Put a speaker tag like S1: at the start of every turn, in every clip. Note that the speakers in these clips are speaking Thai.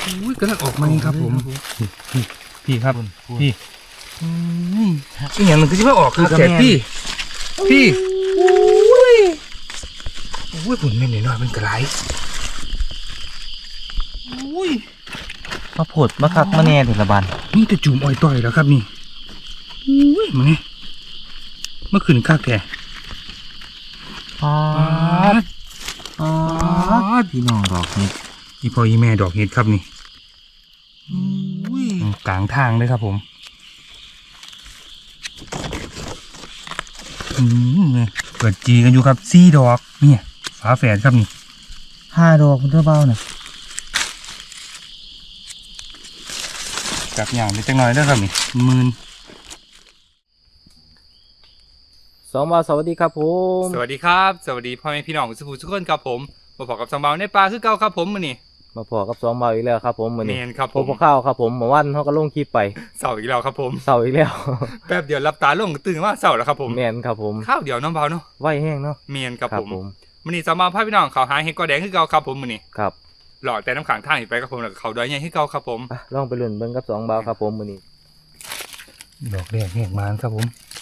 S1: อุ้ยกำลังออกมานี่ครับผมพี่ครับพี่อีหยังมันก็จะไม่ออกครับแกพี่อุ้ยผลเม็ดน้อยๆมันกระไรอุ้ย
S2: มาผดมาคักมาแน่ถึงละบัน
S1: นี่จะจุ่มอ้อยต่อยแล้วครับนี่อุ้ยมาไงเมื่อคืนข้าแก
S2: พี่น้องดอกเห็ด
S1: อีพ่ออีแม่ดอกเห็ดครับนี่กลางทางเลยครับผมเปิดจีกันอยู่ครับ4 ดอกเนี่ยฝาแฝดครับนี่
S2: 5 ดอกคุณเจ้าเบ้าน่ะ
S1: จับอย่างไปจังหน่อยแล้วครับนี่มืน
S2: 2 บาทสวัสดีครับผม
S1: สวัสดีครับสวัสดีพ่อแม่พี่น้องสุขุมทุกคนครับผมมาพบกับสองเบาในปลาคือเก่าครับผมมื้อนี้
S2: มาพอกับ2 บาทอีกแล้วครับผมมื้อ
S1: เม
S2: นี้
S1: นครับ
S2: พ
S1: ผ
S2: บ
S1: ม
S2: พวกข้าวครับผมเมื่อวันเขาก็ลงคลิปไป
S1: เสาร์อีกแล้วครับผม
S2: เสาร์อีกแล้ว
S1: แป๊บเดียวรับตาลงตื่นมาเสาร์แล้วครับผม
S2: แม่นครับผม
S1: ข้าวเดียวน้องเบาเนาะ
S2: ไหวแห้งเนาะ
S1: เมนครับผมมื้อนี้สองเบาพาพี่น้องเขาหาเห็ดกอแดงคือเก่าครับผมมื้อนี้
S2: ครับ
S1: หลอดแต่น้ำขังทางอีกไปครับผมแล้วก็เขาดอยใหญ่คือเก่าครับผม
S2: อ่ะลองไปลุ้นเบิ่งกับ2 บาทครับผมมื้อนี้
S1: ดอกแดงแหกมานครับผม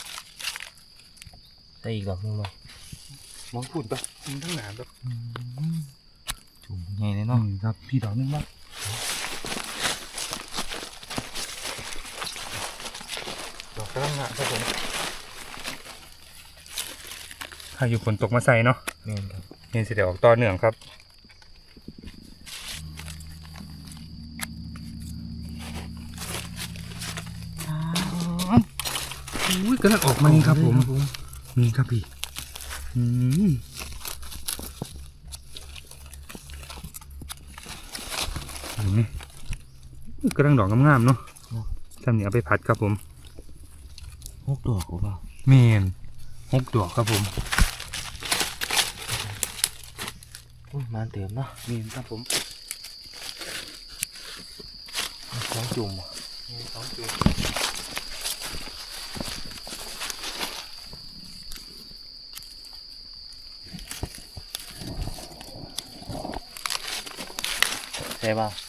S2: ได้อีกดอกนึงบ่
S1: มองพูดปะทั้งหนามปะ
S2: จุ่มใหญ่เลยเนาะ
S1: ครับพี่ดอกนึงบ้างดอกกระลังงะครับผมถ้าอยู่ฝนตกมาใส่เนาะ
S2: แม่นครับ
S1: เห็นสิเดี๋ยวออกต่อเนื่องครับอุ้ยกำลังออกมานี่ครับผมนี่ครับพี่เห็นไหมกำลังดอกงามๆเนาะทำเนี่ยเอาไปผัดครับผม
S2: 6 ดอกบ่
S1: เมน6 ดอกครับผม
S2: อุ้ยมาเต็มเนาะ
S1: เมนครับผม
S2: 2 จุ่มบ่
S1: 2 จุด
S2: ใช่ป่ะ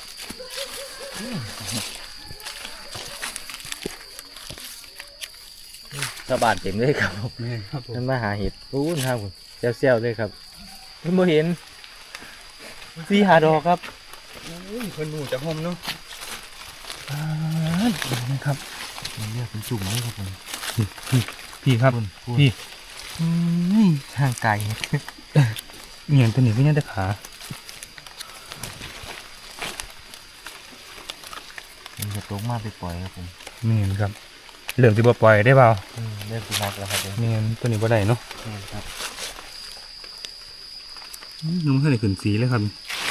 S2: ชาวบ้านเต็มเลยครับผม
S1: เมนครับผม
S2: มันมาหาเห็ดอู้นครับผมเซลเลยครับมันบ่เห็น4-5 ดอกครับ
S1: อุ้ยเพิ่นหนูจะหอมเนาะนะครับ
S2: มันเรียกเป็นจุ่มเลยครับผม
S1: พี่ครับพี่
S2: ห่างไกล
S1: เงียนตัวนี้ไม่ยังแต่ขา
S2: มันจะตกมาไปปล่อยครับผม
S1: เมียนครับเหลืองที่บ่ปล่อยได้เปล่า
S2: เริ่มตีนักแล้วครับผม
S1: เมียนตัวนี้บ่ได้เนาะ
S2: ครับ
S1: นุ่มขึ้นเลยขึ้นสีเลยครับ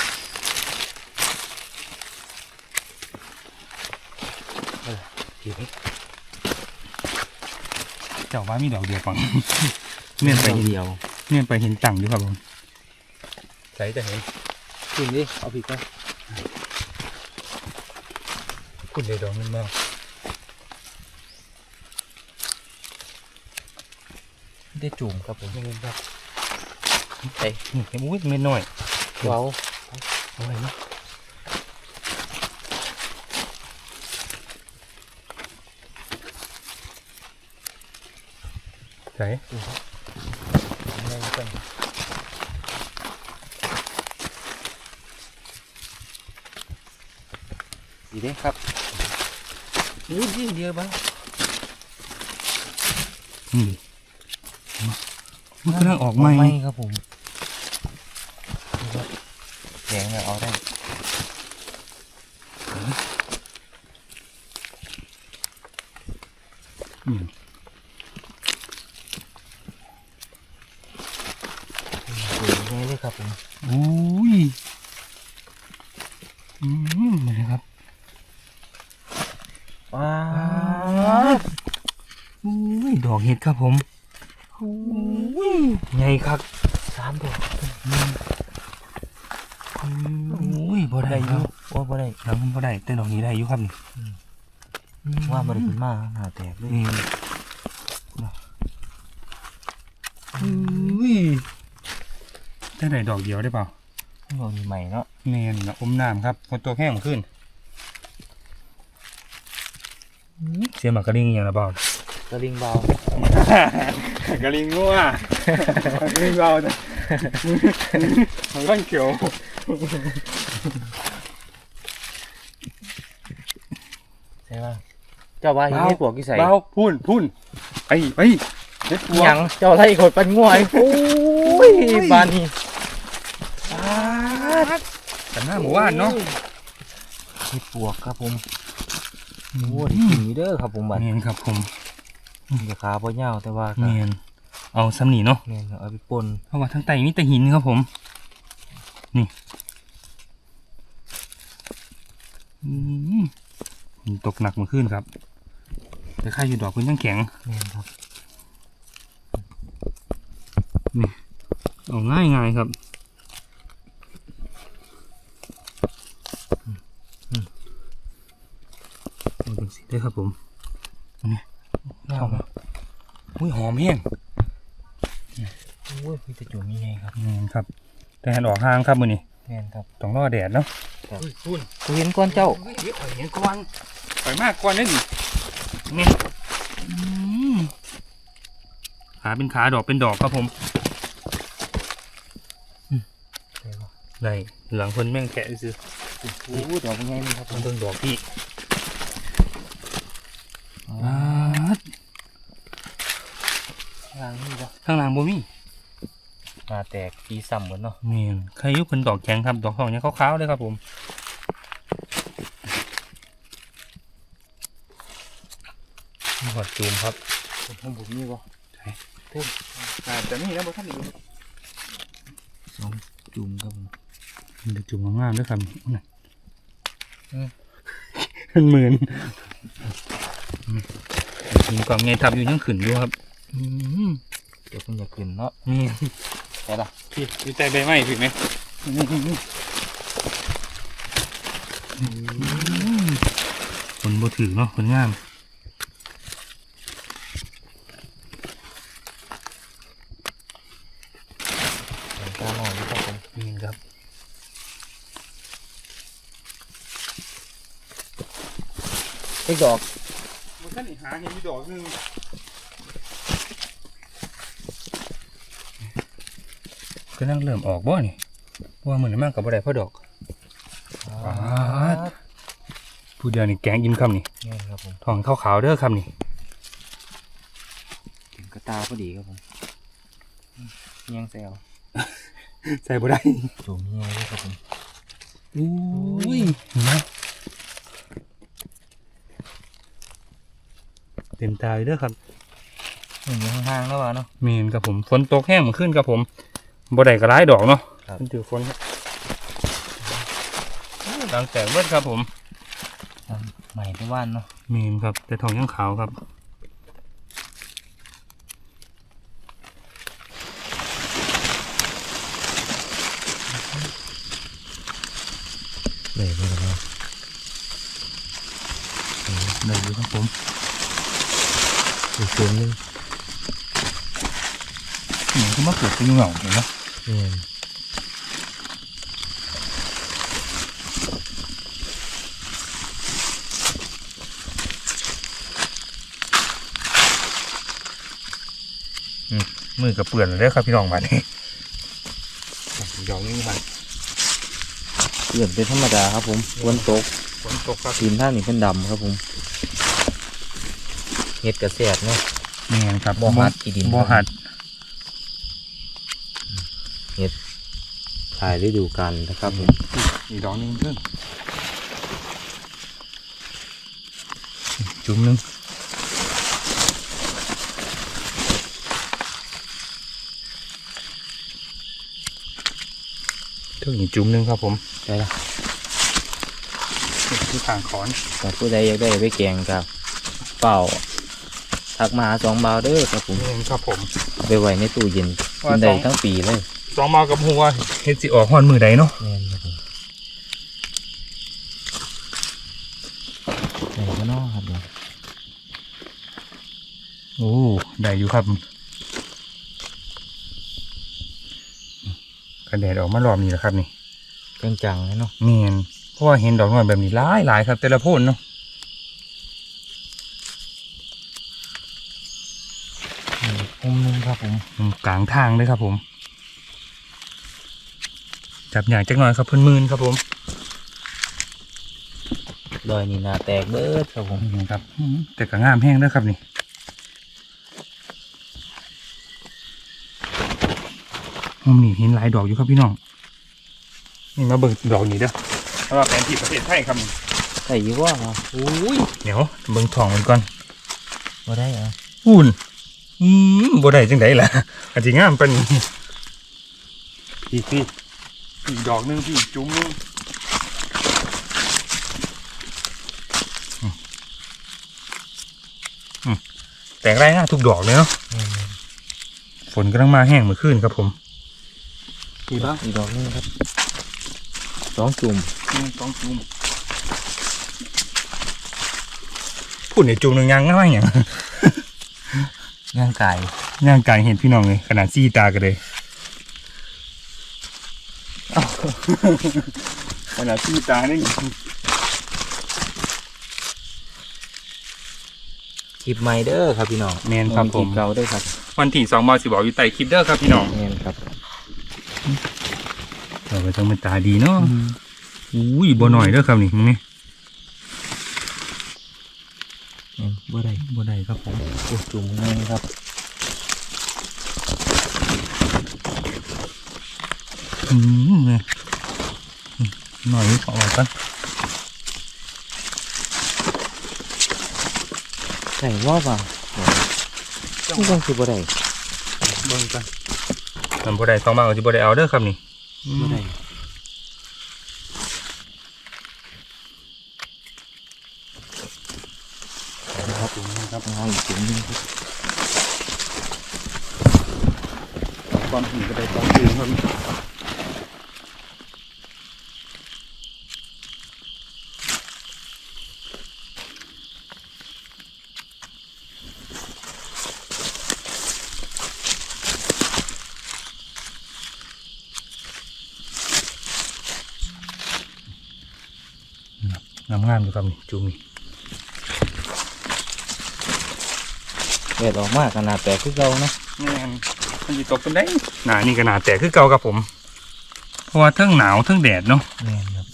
S1: เจ้าว่ามีดอกเดียวปังเมียนไปเห็น
S2: เดียว
S1: เมียนไปเห็นจังอยู่ครับผมใส่จะเห็น
S2: กินดิเอาผิดก็
S1: คุณเลยดอกนึงบ้าง
S2: ได้จุ่มครับผม
S1: เมียนครับ
S2: ไอ้
S1: นี่เห็นอุ้ยเมียนน้อย
S2: เว้า
S1: เอาไว้เนาะใส่
S2: ดีเด้ครับอู้ยเดียวบ้าง
S1: นี่มันกำลังออกใหม่
S2: ครับผมแดงเนี่ยเอาได้
S1: อืม
S2: สวยง่ายเลยครับผม
S1: อุ้ยนะครับ
S2: ว้า
S1: อุ้ยดอกเห็ดครับผมใหญ่ครับ
S2: 3 ดอก
S1: อุ้ยบ่ได้อยู่
S2: ว่าบ่ได้
S1: แล้วมันบ่ได้แต่ดอกนี้ได้อยู่ครับนี่
S2: ว่าบ่ได้ขึ้นมาหน้าแตกเลย
S1: อุ้ยได้ไหนดอกเดียวได้เปล่า
S2: เรามีใหม่เนาะ
S1: แม่นนะอมน้ำครับฝนตกแห้งขึ้นเสียหมากกระดิ่งอย่างละเบาก
S2: ระลิงเบาก
S1: ระดิ่งงัวกระดิ่งเบาจ้ะมันก้อนเขียว
S2: ใช่ป่ะเจ้าว่าเฮ็ดปวกกี่ใส่
S1: เบาพุ่นไปเด็ดปวก
S2: หยังเจ้าไล่ขดปันง่วยโอ้ยบานนี่
S1: แต่หน้าหมู่บ้านเนาะ
S2: เฮ็ดปวกครับผมโอ้ยกินอยู่เด้อครับผมบัด
S1: เมียนครับผม
S2: อย่าขาบ่ยาวแต่ว่าก็
S1: เมียนเอาซ้ำหนีเนาะ
S2: แม่นเอาไปป่น
S1: เพราะว่าทั้งไตมีแต่หินครับผมนี่หินตกหนักเมื่อคืนครับแต่ค่าอยู่ดอกพื้นยังแข็ง
S2: แม่นครับ
S1: เอาง่ายครับเอาจังสิได้ครับผมอันนี้
S2: งาม
S1: อุ้ยหอมแห้ง
S2: โอ้ยมีแต่จุ่มนี่ไงครับ
S1: แม่นครับแต่หันออกห่างครับมือนี้
S2: แม่นครับ
S1: ต้องรอแดดเนาะ
S2: ครับ
S1: พุ่น
S2: กูเห็นก้อนเจ้า
S1: เดี๋ยวเห็นก่อนไปมากก่อนได้ดินี่ขาเป็นขาดอกเป็นดอกครับผมได้หลังคนแม่งแกะซื้อ
S2: โอ้ดอกเป็นไงนี่ครับผ
S1: มัน
S2: ม
S1: เบิ่งดอกพี่
S2: ล้างนี่บ่
S1: ข้างหลังบ่มี
S2: มาแตกปีซ้ำหมดเนาะ
S1: นี่ใครอยุบเป็นดอกแข็งครับดอกทองเนี่ยขาวๆเลยครับผมนี่หอดจูมครับ
S2: ผมบุกนี่บ่
S1: แต่นี่นะบ่ท่านอยู่
S2: สองจุ่มครับผม
S1: เดี๋ยวจุ่มงามๆด้วยครับน่ะเป็นหมื่นหินกล่องไงทับอยู่ยังขึ้นอยู่ครับ
S2: เดี๋ยวคุณอยากขึ้นเนาะ
S1: นี่
S2: แต่ละ
S1: พี่มีใจใบไม้ผิดไหมคนบ่ถือเนาะคนงาม
S2: เห็นกาหน่อยครับผม
S1: นี่ครับ
S2: ไอ้ดอก
S1: มันท่านหาเห็นมีดอกนึงก็นั่งเริ่มออกบ่นี่ว่าเหมือนมากกับบ่ได้เพราะดอก ผู้เดียวนี่แกงยิ้มคำนี่
S2: นี่ครับผม
S1: ทองขาวๆเด้อคำนี่
S2: ถึงกระตาพอดีครับผมเงี้ยงแซว
S1: ใส่บ่ได้
S2: จุ่มเงี้ยงด้วยครับผม
S1: อุ้ยเห็นไหมเต็มตาเลยเด้อครับ
S2: หนึ่งอยู่ข้างๆแล้ววะเนาะ
S1: เมนครับผมฝนตกแห้งขึ้นครับผมบ่ได้ก็ร้ายดอกเนาะ
S2: ครับ
S1: มันถือฝนครับดังแตกเบิดครับผม
S2: ใหม่ไปว่านเนาะ
S1: เมนครับแต่ทองยังขาวครับ
S2: เลยไปแล้ว
S1: ได้อยู่ครับผม
S2: อีกจุ่มนึง
S1: เหมือนก็มาเกิดเป็นเหงาเห็นไหม
S2: เนี่ย
S1: มือกับเปื่อนเลยครับพี่น้องมาเนี่ยดอกนี้มัน
S2: เปลี่ยนเป็นธรรมดาครับผมฝนตก
S1: ฝนตกครับ
S2: ทีมท่านี่เป็นดำครับผมเห็ดกระแสดเนาะ
S1: เมนครับ
S2: บ่หัดอีดิน
S1: บ่หัด
S2: ถ่ายฤดูกาลนะครับผม
S1: อีกดอกหนึงเพิ่มจุ่มหนึงเท่านี้จุ่มหนึงครับผม
S2: ได้ละ
S1: นี่คือทางขอน
S2: แต่ผู้ใดอยากได้ไปแกงครับเปล่าทักมาหาสองบาวเด้อครับผม
S1: เมนครับผม
S2: เอาไปไว้ในตู้เย็นกินได้ทั้งปีเลย
S1: สองมากับหัวเฮ็ดสิออกหอนมือใดเนาะ
S2: แม่นครับผมไหนก็นอครับเดี๋ยว
S1: โอ้ได้อยู่ครับกระแดดออกมารอบนี้แหละครับนี่
S2: จังๆเลยเนาะ
S1: เมียนเพราะว่าเห็นดอกน้อยแบบนี้หลายครับแต่ละโพนเนาะ
S2: มุมนึงครับผม
S1: กลางทางเลยครับผมจับอย่างจักหน่อยครับเพิ่นมื่นครับผม
S2: ดอยนี่นาแตกเบิดครับผม
S1: นี่ครับแต่ก็งามแห้งด้วยครับนี่มุมนี้เห็นหลายดอกอยู่ครับพี่น้องนี่มาเบิ่งดอกนี้เด้อเพราะว่าแผนที่ประเทศไทยครับนี่
S2: ใส่ยี่ว่าอุ้ย
S1: เดี๋ยวเบิ่งทองมันก่อน
S2: มาได้เหรอ
S1: อุ่นบ่ได้จังไดล่ะอาจสิงามปานนี้พี่อีกดอกหนึงพี่จุ้มนึงแตกไร่หน้าทุกดอกเลยเนาะฝนกำลังมาแห้งเมื่อคืนครับผมดีป่ะ
S2: อีกดอกนึงครับ2 จุ่ม
S1: 2 จุ่มพูดในจุ่มหนึ่งยังง่ายอย่าง
S2: ย่างไก่
S1: ย่างกายเห็นพี่น้องเลยขนาดซี่ตากันเลยขนาดซี่ตานี่
S2: คลิปใหม่เด้อครับพี่น้อง
S1: แมนครับผม
S2: คลิปเก่าเด้อครับ
S1: วันที่2 บาท 10 บอกอยู่ใต้คลิปเด้อครับพี่น้อง
S2: แม่นครับ
S1: เราไปต้องเป็นตาดีเนาะอุ้ยบ่หน่อยเด้อครับนี่มึงนี่
S2: บ่ได้
S1: บ่ได้ครับผม
S2: โอ้จุ่มนึงครับ
S1: เนี่ยหน่อยขอออกกัน
S2: ใส่ว่าป่ะนี่ต้องคือบ่ได้
S1: เบิ่งกันมันบ่ได้2 บาทก็สิบ่ได้เอาเด้อครับนี่
S2: บ่ได้
S1: ครับผมครับ
S2: เอาอีกจุ่มนึงครับ
S1: ความถี่ก็ได้2 จุ่มครับงามๆอยู่ครับนี่จุ่มนี่
S2: แดดออกมากขนาดแตกคือเก่านะ
S1: แม่นมันสิตกเป็นได้หนานี่ก็หนาแตกคือเก่าครับผม เพราะว่าเทั้งหนาวเทั้งแดดเนาะ
S2: แม่นครับ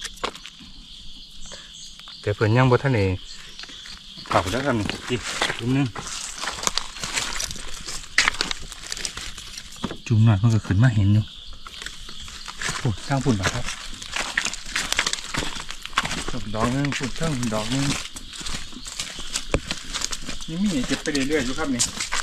S1: แต่เพิ่นยังบ่ทันได้เผาแล้วครับนี่อีกจุ่มหนึงจุ่มหน่อยมันก็ขึ้นมาเห็นอยู่โอ้สร้างฝุ่นบ่ครับดอกหนึงฝุ่นเทิงดอกหนึงยังมีเก็บไปเรื่อยๆอยู่ครับนี่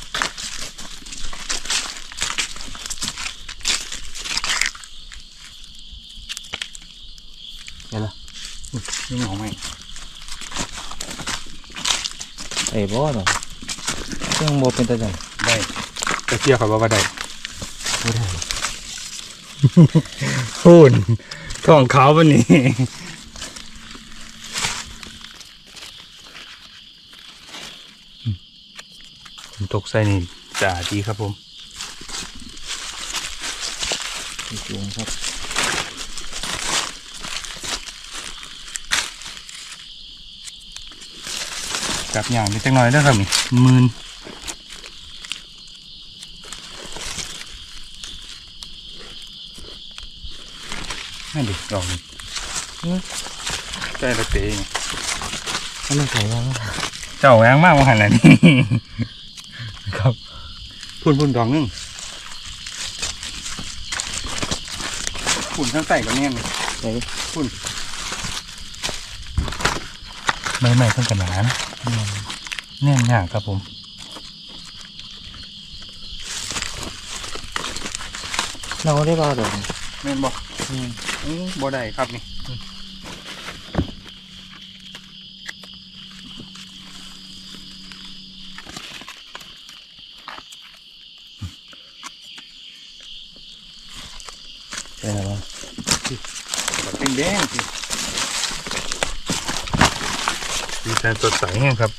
S2: เห็นละ
S1: นี่เหงาไหม
S2: ไอ้บ่เนาะเครื่องบ่เป็นตาจัง
S1: ได้จะเชื่อเขาว่าได้
S2: บ่ได้
S1: ฝุ่นของเขาวันนี้ผมตกใส่นี่จ่าดีครับผม
S2: อีกจุ่มครับ
S1: จับอย่างนิดจังหน่อยเด้อครับนี่มืนนั่นดิดอกนี่ใกล้ละเตง
S2: ถ้ามันใส่ยัง
S1: เจ้าแหวงมากว่าหันแหละนี่ ครับพุ่นดอกนึงพุ่นทั้งใส่กับแน่น
S2: ใส่
S1: ไม่ทั้งกระหนานะแน่นหนาครับผม
S2: เราได้บ่ดอก
S1: แม่นบอกบ่ได้ครับนี่
S2: ใช่แล้ว
S1: เป็นแดงสิดีแทนสดใสแห้งครับ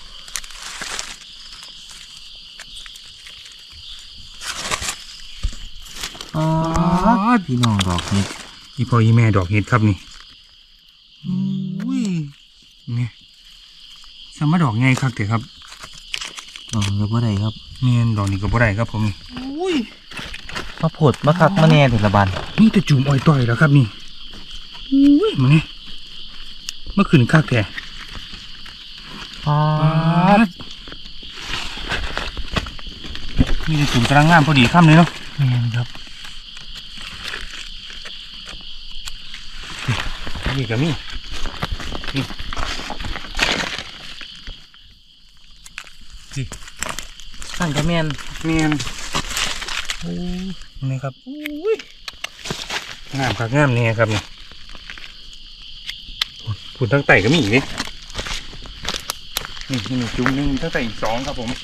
S2: พี่น้องดอกนี้
S1: อีพ่ออีแม่ดอกเห็ดครับนี่อุ้ยนี่สามารถดอกไงครับเถอะครับ
S2: อ๋อก็บ่ได้ครับ
S1: เมียนดอกนี้ก็บ่ได้ครับผมอุ้ย
S2: มาผดมาคักมาแน่ถึงละบัน
S1: นี่แต่จุ่มอ้อยต่อยแล้วครับนี่อุ้ยมาเนี่ยเมื่อคืนคักแท้
S2: อ๋อ
S1: มีแต่จุ่มกำลังงามพอดีค่ำเลยเนาะ
S2: แม่นครับ
S1: นี่ก็มีนี่สิ
S2: สั่นก็แม่น
S1: เมียนโอ้นี่ครับอุ้ยงามครับงามเนี่ยครับนี่ผุนทั้งไต่ก็มีอีกนี่นี่จุ่มหนึ่งทั้งไต่อีก2ครับผม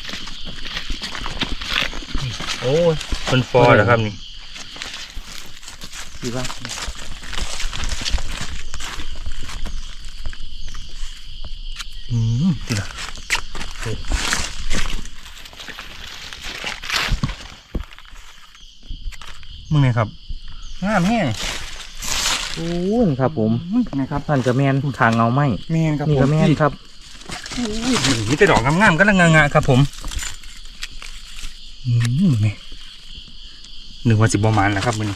S1: โอ้ยคนฟอร์เหรอครับนี่
S2: ดีป่ะ
S1: ดีละมึงไงครับงามแห้ง
S2: โอ้ยครับผม
S1: นะครับ
S2: สั่นก็แม่นทางเงาไหม
S1: แมนครับ
S2: นี่ก็แม่นครับ
S1: มีแต่ดอกงามๆก็ละงะครับผมนี่หนึ่งวัน10 ประมาณนะครับมัน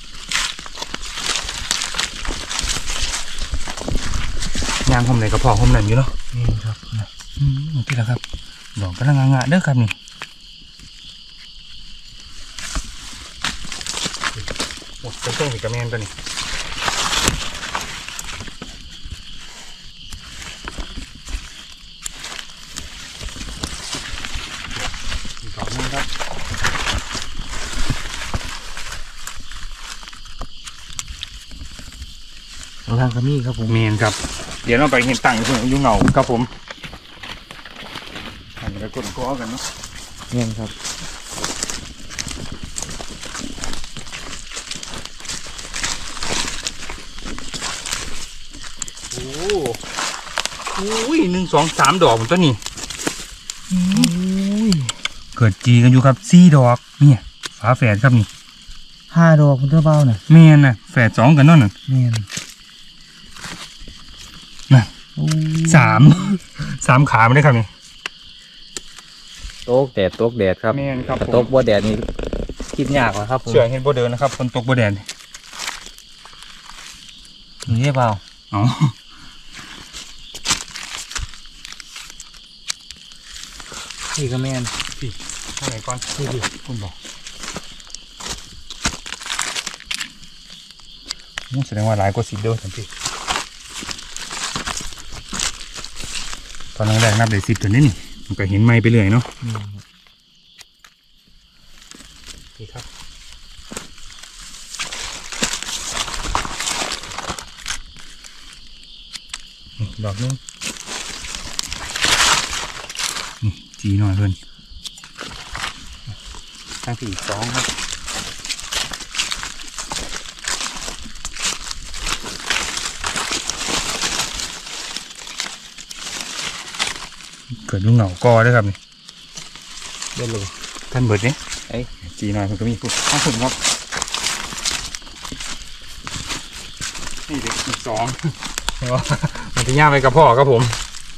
S1: ยางหอมไหนก็พอหอมนั่นอยู่เนาะ
S2: นี่ครับ
S1: ที่ละครับดอกก็ละงะเด้อครับนี่โอ้เป็นต้นสีกระแมนตัวนี้อีกดอกนึงครับ
S2: ทางก็มีครับผม
S1: เมนครับ เดี๋ยวเราไปเห็นตั้งอยู่ยุ่งเหงาครับผมอันนี้ก็กดก้อกันเนาะ
S2: แม่นครับ
S1: โอ้ย1 2 3 ดอกผมตัวนี้
S2: อุ้ย
S1: เกิดจีกันอยู่ครับ4 ดอกเนี่ยฝาแฝดครับนี่
S2: 5 ดอกคุณเจ้าเบาน่ะ
S1: เมนน่ะแฝด2กันนั่นน่ะ
S2: แม่น
S1: น่ะ
S2: โอ้ย
S1: 3 ขาไม่ได้ครับนี่
S2: ตกแดดตกแดดครับ
S1: เมนครับ
S2: แต่ตกบ่แดดนี่คิดยากกว่าครับผม
S1: เชื่อเห็นบ่เดินนะครับคนตกบ่แดน
S2: นี่เปล่า
S1: อ๋อ
S2: นี่ก็แม่น
S1: ข้างไหนก่อนนี่คุณบอกแสดงว่าหลายกว่า10เด้อทันทีตอนแรกนับได้10ตัวนี้นี่มันก็เห็นไม้ไปเรื่อยเนาะนี่ครับนี่ดอกนึงนี่จีหน่อยเพื่อนตั้งที่อีก2ครับเกิดยุ่งเหงากอด้วยครับนี่
S2: เดินเลย
S1: ท่านเบิดนี่
S2: ไอ้
S1: จีหน่อยมันก็มีปุ๊บข้าวผุนครับนี่เด็กอีก2เห็นว่ามันจะย่างไปกับพ่อครับผม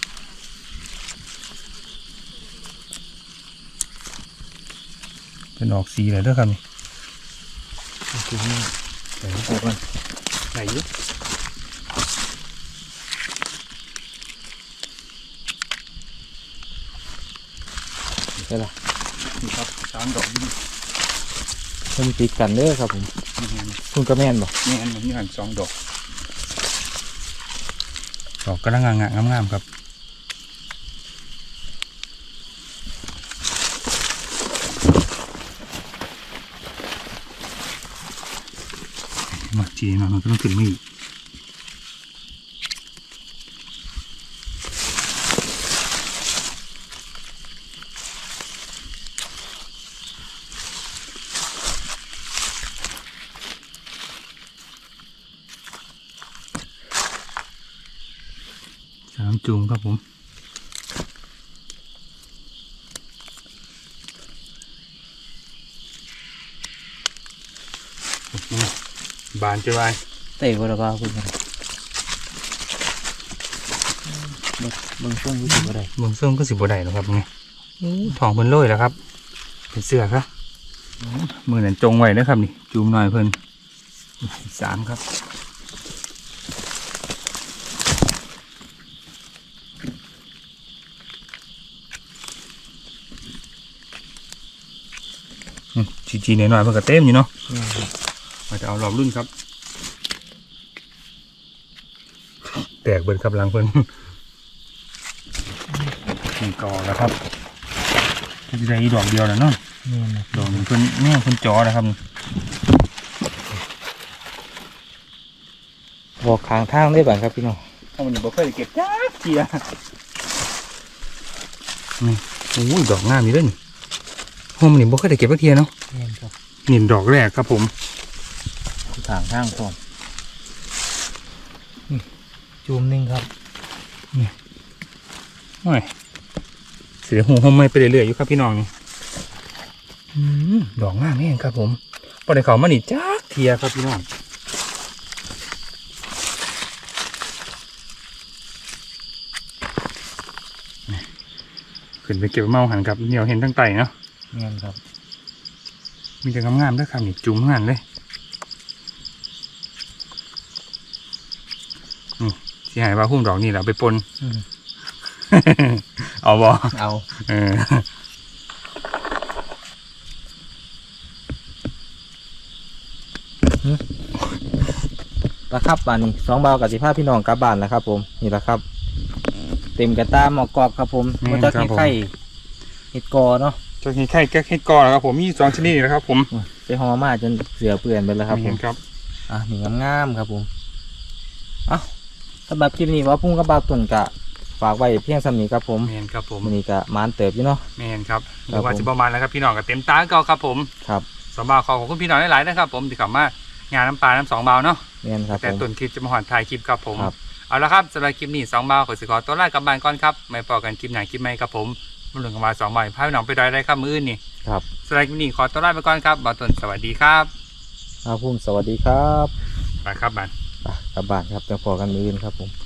S1: เป็นออกสีเลยด้วยครับนี่
S2: คือนี่
S1: ไหนออกมันไหนยุบ
S2: ใช่ละ
S1: นี่ครับ3 ดอกนี่
S2: มันติดกันเด้อครับผมคุณก็แม่นบ่
S1: นี่อันนี้หัน2 ดอกดอกกำลังงามๆครับมาจีหน่อยมันก็ต้องขึ้นมาอีก3 จูงครับผมบานจะไป
S2: เตะบ่ละบ่าวเพิ่นเบิ่งช่วงรู้สึกบ่ได้
S1: เบิ่งเสื้อก็สิบ่ได้หรอกครับไงทองเพิ่นโรยแล้วครับเป็นเสื้อครับมือนั่นจงไว้นะครับนี่จูมหน่อยเพิ่น3ครับจีหน่อยๆเพิ่นก็เต็มอยู่เนาะมาจะเอารอบรุ่นครับแตกเบิดครับหลังเพิ่นนี่กอแล้วครับจะได้ดอกเดียวแล้วเนาะดอกหนึ่งเพิ่นแม่เพิ่นจอแล้วครับ
S2: บอกข้างทางได้บ้างครับพี่น้อง
S1: เอามันบ่เคยได้เก็บจ้าเกียนี่โอ้ยดอกงามนี่เด้อนี่ห้องมันนี่บ่เคยได้เก็บสักเทียเนาะ
S2: แม่นครับ
S1: นี่ดอกแรกครับผม
S2: ข้างทางพร้อมจูมหนึงครับ
S1: โอ้ยเสียหูห้องไม่ไปเรื่อยๆอยู่ครับพี่น้องนี่ดอกงามแม่งครับผมบ่ได้เข้ามานี่จ้าเทียครับพี่น้องขึ้นไปเก็บเมาหันครับเหนียวเห็นทั้งไตเนาะ
S2: แม่นครับ
S1: มีแต่งามๆด้วยครับนี่จุ่มงานเลยนี่ที่หายว่าพุ่มดอกนี่เราไปปน เอาบ่
S2: เอา
S1: เออ
S2: ละครับบ้านนี้2 บาวกับ15พี่น้องกลับบ้านแล้วครับผมนี่ละครับ เต็มกระตาหมอกกรอบครับผมมาจากเห็ดไข่เห็ดกอเนาะ
S1: เจ้าเห็ดไข่ก็เห็ดกอแล้วครับผมมี2ชนิดนี่นะครับผม
S2: ไปห่อมาจนเสือเปื่อนไปแล้วครับผ
S1: เห็
S2: ม
S1: นครับ
S2: นี่งามๆครับผมสำหรับคลิปนี้ว่าพุ่งกับบาวตุ่นกะฝากไว้เพียงสำนี้ครับผม
S1: แมนครับผม
S2: มันนี้กะมานเติบอยู่เนาะ
S1: แมนครับห
S2: ครั
S1: รื
S2: บ
S1: อว่าจะประมาณแล้วครับพี่น้องกับเต็มตาเก่าครับผม
S2: ครับ
S1: สองบาวขอบคุณพี่น้องหลายๆนะครับผมที่เข้ามางานน้ำปลาน้ำ2 บาวเนาะ
S2: แม่นครับ
S1: แต่
S2: ผม
S1: ต้นคลิปจะมาหอนถ่ายคลิปครับผม
S2: ครับ
S1: เอาละครับสำหรับคลิปนี้2 บาวขอสิขอตัวลากลับบ้านก่อนครับไม่พอกันคลิปไหนคลิปไม่ครับผมมันหลุดกันมา2 บาวพาพี่น้องไปดอยได้ครับมื้ออื่นนี่
S2: ครับ
S1: สำหรับคลิปนี้ขอตัวลาไปก่อนครับบาวต้นสวัสดีครับ
S2: พุ่มสวัสดีครับ
S1: ไปครับบ้าน
S2: กลับบ้านครับจะพอกันมื้ออื่นครับผม